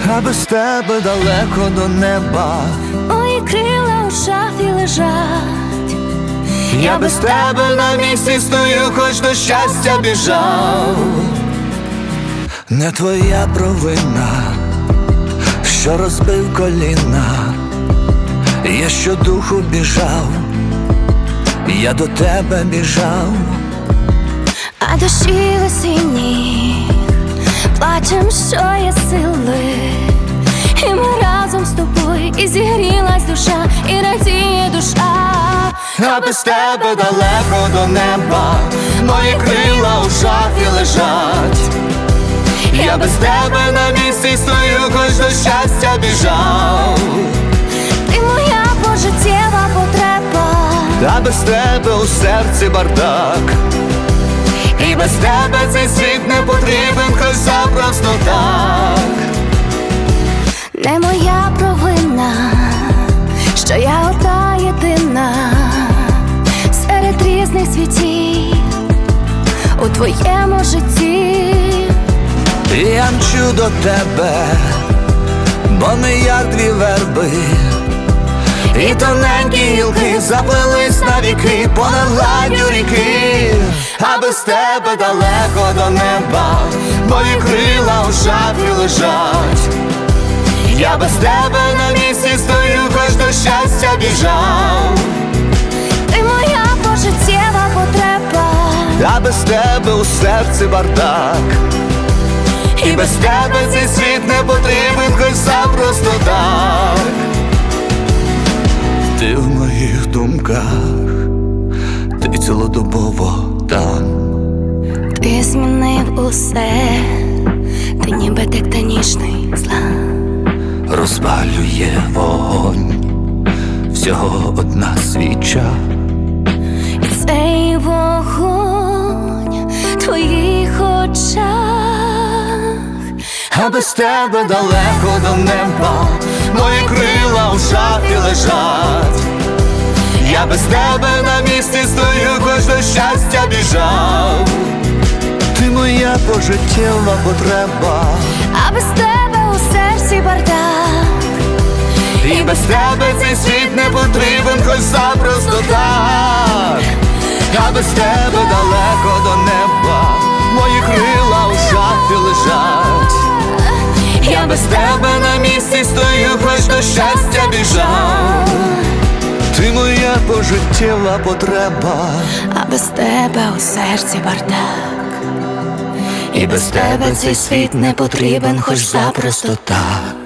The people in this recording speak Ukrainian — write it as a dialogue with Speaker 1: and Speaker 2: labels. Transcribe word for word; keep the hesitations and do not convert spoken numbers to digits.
Speaker 1: а без тебе далеко до неба.
Speaker 2: Мої крила у шафі лежать.
Speaker 1: Я без тебе на місці стою, хоч до щастя біжав. Не твоя провина, що розбив коліна. Я щодуху біжав, я до тебе біжав.
Speaker 2: А дощі осінні плачем, що є сили. І ми разом з тобою, і зігрілась душа, і радіє душа.
Speaker 1: А без тебе далеко до неба, мої крила у шафі лежать. Я без тебе на місці стою, хоч до щастя біжав.
Speaker 2: Ти моя пожиттєва потреба,
Speaker 1: А без тебе у серці бардак. І без тебе цей світ не потрібен, хоч запросто так.
Speaker 2: не моя провина, що я одна єдина серед різних світів у твоєму житті.
Speaker 1: Я мчу до тебе, бо ми як дві верби, і тоненькі гілки заплелись навіки понад гладдю ріки. А без тебе далеко до неба, мої крила у шафі лежать. Я без тебе на місці стою, хоч до щастя біжав.
Speaker 2: Ти моя пожиттєва потреба,
Speaker 1: А без тебе у серці бардак. І без тебе цей світ не потрібен, хоч запросто так. Ти в моїх думках, ти цілодобово там.
Speaker 2: ти змінив усе, ти ніби тектонічний злам.
Speaker 1: Розпалює вогонь, всього одна свіча.
Speaker 2: І цей вогонь в твоїх очах.
Speaker 1: А без тебе далеко до неба, мої крила у шафі лежать. Я без тебе на місці стою, хоч до щастя біжав. Ти моя пожиттєва потреба,
Speaker 2: А без тебе у серці бардак.
Speaker 1: і без тебе цей світ не потрібен, хоч запросто так. А без тебе далеко до неба, мої крила у шафі лежать. Я без тебе на місці стою, хоч до щастя біжав. Ти моя пожиттєва потреба,
Speaker 2: А без тебе у серці бардак.
Speaker 1: і без тебе цей світ не потрібен, хоч запросто так.